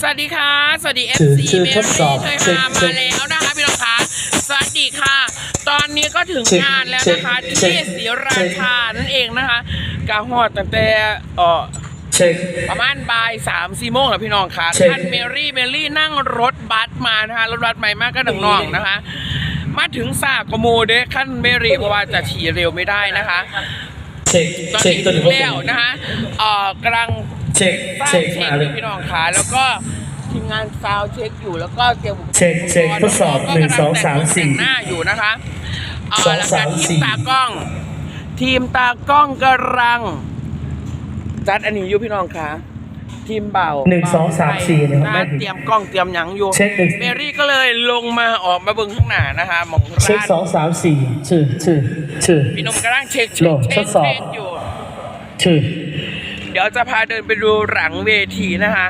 วัสดีค่ะสวัสดีถือ FC ถือเมทดสอบรี่เคยมาแล้วนะคะพี่น้องคะสวัสดีค่ะ ตอนนี้ก็ถึงงานแล้วนะคะที่ศรีราชานั่นเองนะคะกาฮอดตั้งแต่เช็คประมาณบ่าย3-4 โมงแล้วพี่น้องค่ะท่านเมรี่นั่งรถบัสมานะคะรถบัสใหม่มากก็น้องๆนะคะมาถึงสากโมเด้ขั้นเมรี่เพราะว่าจะขี่เร็วไม่ได้นะคะตอนนี้ถึงแล้วนะคะกำลังเช็คมาเลยพี่น้องค่ะแล้วก็ทีมงานซาวเช็คอยู่แล้วก็เตรียมอุปกรณ์เช็คทดสอบ1 2 3 4 หน้าอยู่นะคะแล้วก็ทีมตากล้องกำลังจัดอันนี้อยู่พี่น้องค่ะทีมเบา 1 2 3 4นะครับเตรียมกล้องเตรียมหยังอยู่เมรี่ก็เลยลงมาออกมาเบิ่งข้างหน้านะคะมองเช็ค2 3 4ชื่อพี่นมกำลังเช็คทดสอบอยู่ชื่อเดี๋ยวจะพาเดินไปดูหลังเวทีนะคะ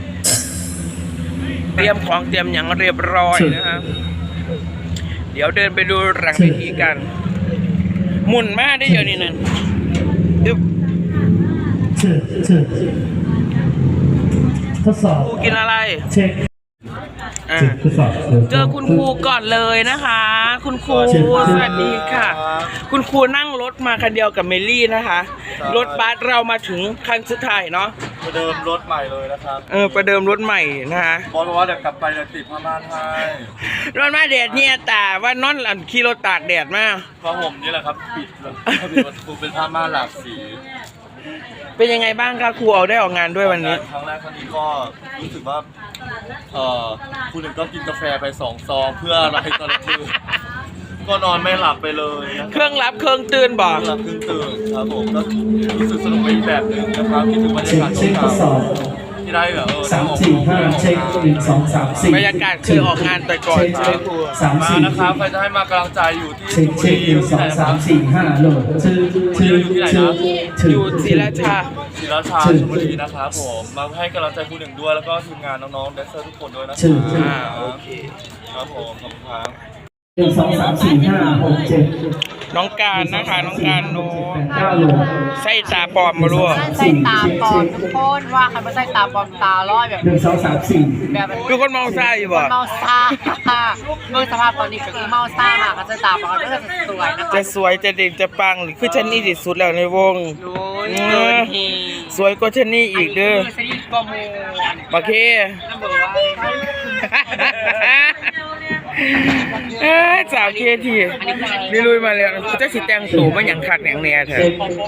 เตรียมของเตรียมอย่างเรียบร้อยนะคะเดี๋ยวเดินไปดูหลังเวทีกันหมุนมาได้เยอะนี่นั่นชื่อทดสอบครูกินอะไรเช็คเจอคุณครูก่อนเลยนะคะคุณครูสวัสดีค่ะคุณครูนั่งรถมาคันเดียวกับเมลี่นะคะรถบัสเรามาถึงคันสุดท้ายเนาะประเดิมรถใหม่เลยนะครับประเดิมรถใหม่นะคะบอกว่าเดี๋ยวกลับไปเดี๋ยวติดผ้าม่านให้รถมาแดดเนี่ยแต่ว่านอนขี่รถตากแดดมากเพราะผมนี่แหละครับปิดเลยประตูเป็นผ้าม่านหลากสีเป็นยังไงบ้างคะครูเอาได้ออกงานด้วยวันนี้ครั้งแรกครั้งนี้ก็รู้สึกว่าคุณหนึ่งก็กินกาแฟไป2 ซองเพื่ออะไรตอนคืนก็นอนไม่หลับไปเลยเครื่องรับเครื่องตื่นบอกเครื่องตื่นครับผมก็รู้สึกสนุกไปอีกแบบหนึ่งนะครับคิดถึงบรรยากาศที่ได้แบบ 3 4 5เช็ค1 2 3 4 บรรยากาศคือออกงานแต่ก่อนมานะครับใครจะให้มากำลังใจอยู่ที่เช็ค1 2 3 4 5โหลดชื่ออยู่ที่ไหนนะอยู่ศรีราชาชลบุรีนะครับผมมาให้กำลังใจคุณหนึ่งด้วยแล้วก็ทีมงานน้องๆแดนเซอร์ทุกคนด้วยนะครับโอเคครับผมขอบคุณครับ 1 2 3 4 5 6 7 น้องการนะคะน้องการโน้ใส่ตาปลอมมาลูกใส่ตาปลอมทุกคนว่าใครไม่ใส่ตาปลอมตาลอยแบบ 1 2 3 4 แบบคือคนเมาซ่าอยู่บ่เมาซ่าเมื่อสภาพตอนนี้ก็คือเมาซ่ามากเขาจะตาปลอมก็จะสวยนะคะจะสวยจะเด่นจะปังคือฉันนี่ที่สุดแล้วในวงสวยกว่าฉันนี่อีกเด้อโอเคสาวเคทีนี่ลุยมาแล้วจะสิแต่งตัวมาอย่างคักอย่างแน่เถอะ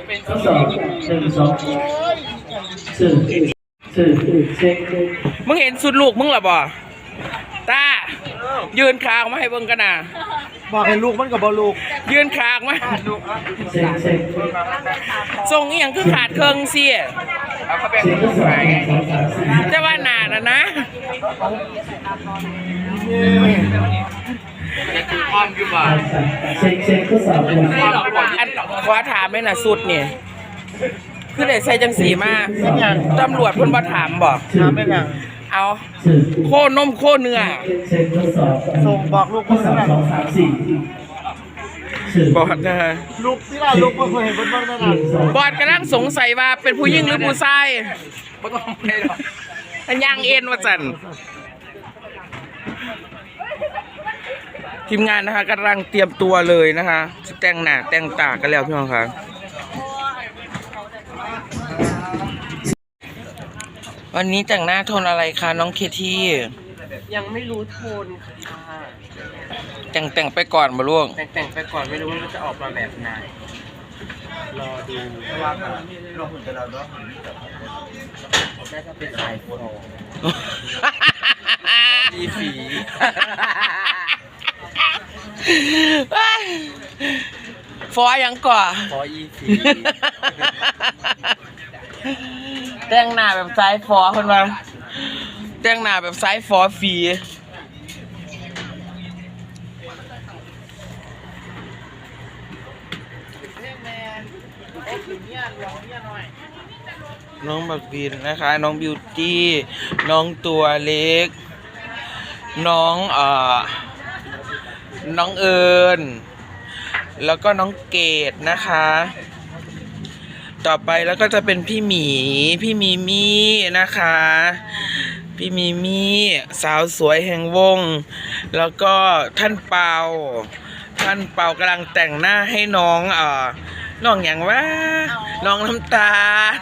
มึงเห็นสุดลูกมึงหรอบ่ตายืนคางมาให้เบิ่งกันนะบอกให้ลูกมันกับบอลูกยืนคางมาส่งอีหยังคือขาดเครื่องเสียจะว่าหนาแล้วนะความอยู่บ่าอันขอถามไม่น่ะสุดเนี่ยคือได้ใส่จังสีมาตำรวจเพิ่นมาถามบอกถามไม่ยังเอาโคนมโคเนื้อส่งบอกลูกคนนั้นบอดนะฮะลูกที่เราลูกเพิ่งเห็นบนบ้านนั่นน่ะบอดกำลังสงสัยว่าเป็นผู้หญิงหรือผู้ชายไม่ต้องไปหรอกอันย่างเอ็นว่าจันทีมงานนะคะกำลังเตรียมตัวเลยนะคะแต่งหน้าแต่งตากันแล้วพี่น้องค่ะวันนี้แต่งหน้าโทนอะไรคะน้องเคที่ยังไม่รู้โทนค่ะแต่งไปก่อนมาลูกแต่งไปก่อนไม่รู้ว่ามันจะออกมาแบบไหนรอดูว่าเราหุ่นจะเราด้วยน่าจะเป็นสายโฟดีฝีฟอยังก่อฟออีฝีแต่งหน้าแบบซ้ายฟอคนมาแต่งหน้าแบบซ้ายฟอฝีน้องบักบินนะคะน้องบิวตี้น้องตัวเล็กน้องเอิญแล้วก็น้องเกดนะคะต่อไปแล้วก็จะเป็นพี่หมีพี่มิมี่นะคะพี่มีมี่สาวสวยแห่งวง แล้วก็ท่านเปากำลังแต่งหน้าให้น้องน้องอย่างว่าน้องน้ำตาล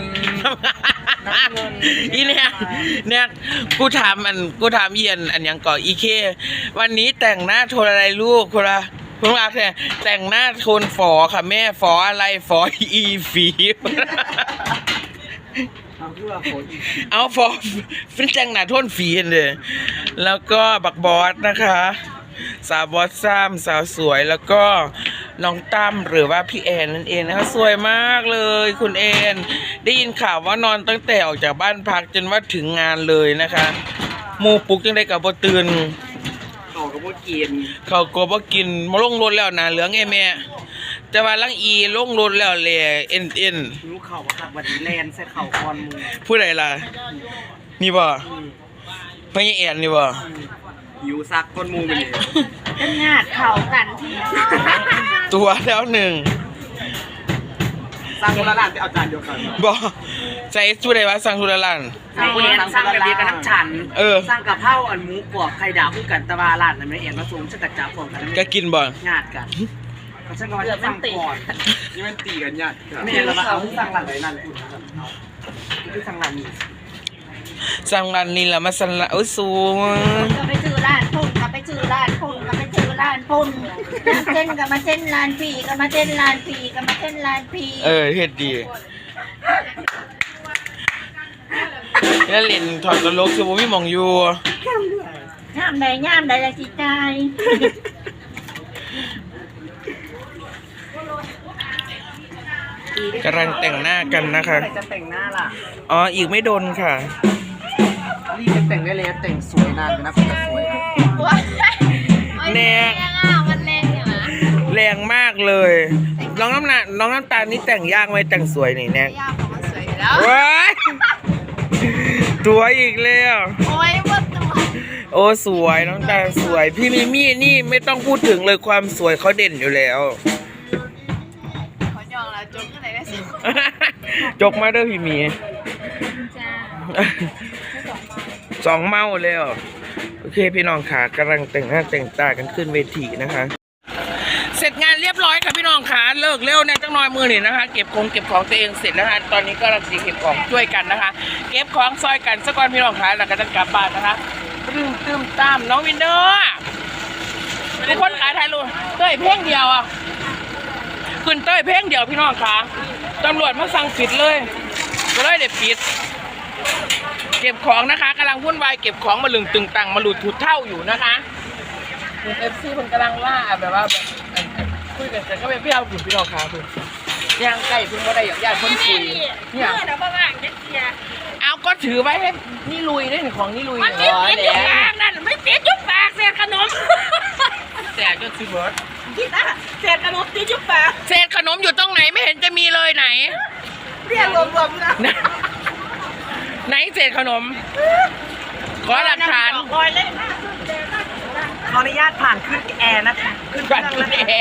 อีเนี่ยกูถามเอียนอันยังก่ออีเควันนี้แต่งหน้าโทนอะไรลูกคนละคุณอาเนี่ยแต่งหน้าโทนฝอค่ะแม่ฝออะไรฝออีฟีเอาฝอฟินแต่งหน้าโทนฝีเลยแล้วก็บักบอสนะคะสาวบอสซ้ำสาวสวยแล้วก็น้องตั้มหรือว่าพี่แอนนั่นเองนะคะสวยมากเลยคุณแอนได้ยินข่าวว่านอนตั้งแต่ออกจากบ้านพักจนว่าถึงงานเลยนะคะหมูปลุกยังได้กับบ่ตื่นเขาก็บ่กินมาลงรถแล้วนะเหลืองไอ้แม่แต่ว่าลังอีลงรถแล้วแหล่เอ็นรู้เข่าคักวันนี้แลนใส่เข่าคอนมูผู้ใดล่ะนี่บ่พี่แอนนี่บ่หิวซักคอนมูไปเลยเป็นงาดเข่ากันที่ตัวแล้วหนึ่งสร้างทุรลานไปเอาจานเดียวกันบ่ใจสู้ได้ว่าสั่งทุรลานสร้างกระเบียกับน้ำฉันสร้างกับเผาอันหมูกรอบไข่ดาวคู่กันตะวาลานนั่นไม่เอ็นมาสูงชักกระจับพร้อมกันก็กินบ่งาดกันก็ฉันก็ว่าจะสั่งก่อนนี่มันตีกันญาติไม่เอ็นเรามาเอาสั่งหลังไหนนั่นคือสั่งหลังนี้สั่งร้านนี้แล้วมาสั่งร้านสูงก็ไปซื้อร้านพุ่นก็ไปซื้อร้านพุ่นก็ไปซื้อร้านพุ่นเส้นก็มาเส้นร้านปีก็มาเส้นร้านปีก็มาเส้นร้านปีเฮ็ดดีแล้วเล่นถอดตลกคือบ่มีหม่องอยู่ย่ามใดละสิใจกำลังแต่งหน้ากันนะคะจะแต่งหน้าล่ะอ๋ออีกไม่โดนค่ะรีบแต่งได้เลยแต่งสวยนานนะคุณจะสวยแรงมันแรงเนี่ยนะแรงมากเลยน้องน้ำตาลนี่แต่งยากไหมแต่งสวยนี่แน่ยากของมันสวยแล้วว้ายตัวอีกแล้วโอ้ยว่าตัวโอ้สวยน้องตาลสวยพี่มิมี่นี่ไม่ต้องพูดถึงเลยความสวยเขาเด่นอยู่แล้วจกไหนได้สิจกมาเด้อพี่มีสองเมาแล้วโอเคพี่น้องค่ะกำลังแต่งหน้าแต่งตากันขึ้นเวทีนะคะเสร็จงานเรียบร้อยค่ะพี่น้องค่ะเลิกเร็วเนี่ยจังน้อยมือนี่นะคะเก็บของตัวเองเสร็จแล้วค่ะตอนนี้ก็กำลังเก็บของช่วยกันนะคะเก็บของซอยกันสักวันพี่น้องค่ะแล้วก็จะกลับบ้านนะคะตึ้มตามน้องวินเดอร์ทุกคนขายไทยรูเต้ยเพ่งเดียวอ่ะขึ้นเต้ยเพ่งเดียวพี่น้องค่ะตำรวจมาสั่งปิดเลยก็เลยเด็ดปิดเก็บของนะคะกำลังวุ่นวายเก็บของมาลึงตึงตังมาหลุดถุดเท่าอยู่นะคะFC คนกำลังว่าแบบว่าคุยกันแต่ก็ไม่พี่เอาขุนพี่น้องค่ะคุณย่างไก่คุณก็ได้อย่างญาติคนคุยเนี่ยเอาก็ถือไว้ให้นี่ลุยได้หนึ่งของนี่ลุยมันไม่ติดยุบปากนั่นไม่ติดยุบปากเศษขนมแต่ก็ซื้อเบิร์ดคิดอ่ะเศษขนมติดยุบปากเศษขนมอยู่ตรงไหนไม่เห็นจะมีเลยไหนเรียกรวมๆนะไหนเศษขนมขอหลักฐานขออนุญาตผ่านขึ้นแอร์นะคะขึ้นแอร์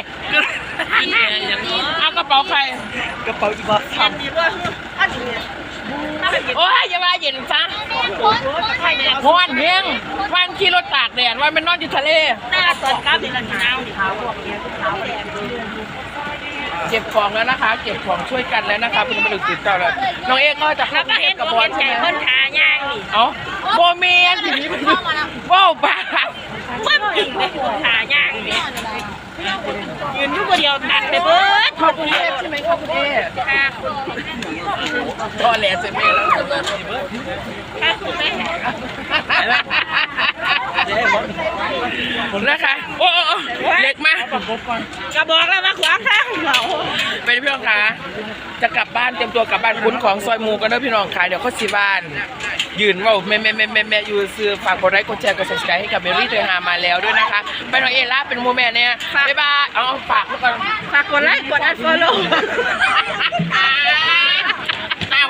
เอากระเป๋าใครกระเป๋าจีบอสทำโอ้ยอย่ามาเย็นซะพอนเพียงวันขี่รถตากแดดวันเป็นนอนอยู่ทะเลหน้าสดครับเป็นหนาวเก็บของแล้วนะคะเก็บของช่วยกันแล้วนะคะเป็นบริษัทเจ้าแล้วน้องเอกก็จะเข้าเก็บกับบอลใช่ไหมคนขาย่างนี่เอ้าโบเมียนว้าวบ้ามันกินไปขาย่างนี่ยืนอยู่คนเดียวตัดไปเบิร์ดขอบคุณเอใช่ไหมขอบคุณเอก็แหล่เสร็จแม่แล้วนะคะโอ้เล็กมากกระบอกแล้วมาขวางข้างเราเป็นพี่น้องคะจะกลับบ้านเตรียมตัวกลับบ้านคุ้นของซอยมูกันเด้อพี่น้องค่ะเดี๋ยวเขาสิบ้านยืนว่าแม่อยู่ซื้อฝากกดไลค์กดแชร์กด subscribe ให้กับเมรี่เธอหามาแล้วด้วยนะคะไปน้องเอล่าเป็นโมแม่เนี่ยบ๊ายบายเอาฝากทุกคนฝากกดไลค์กดอันฟอลโล่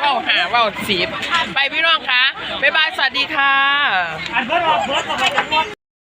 ว่าวสีไปพี่น้องคะบ๊ายบายสวัสดีค่ะ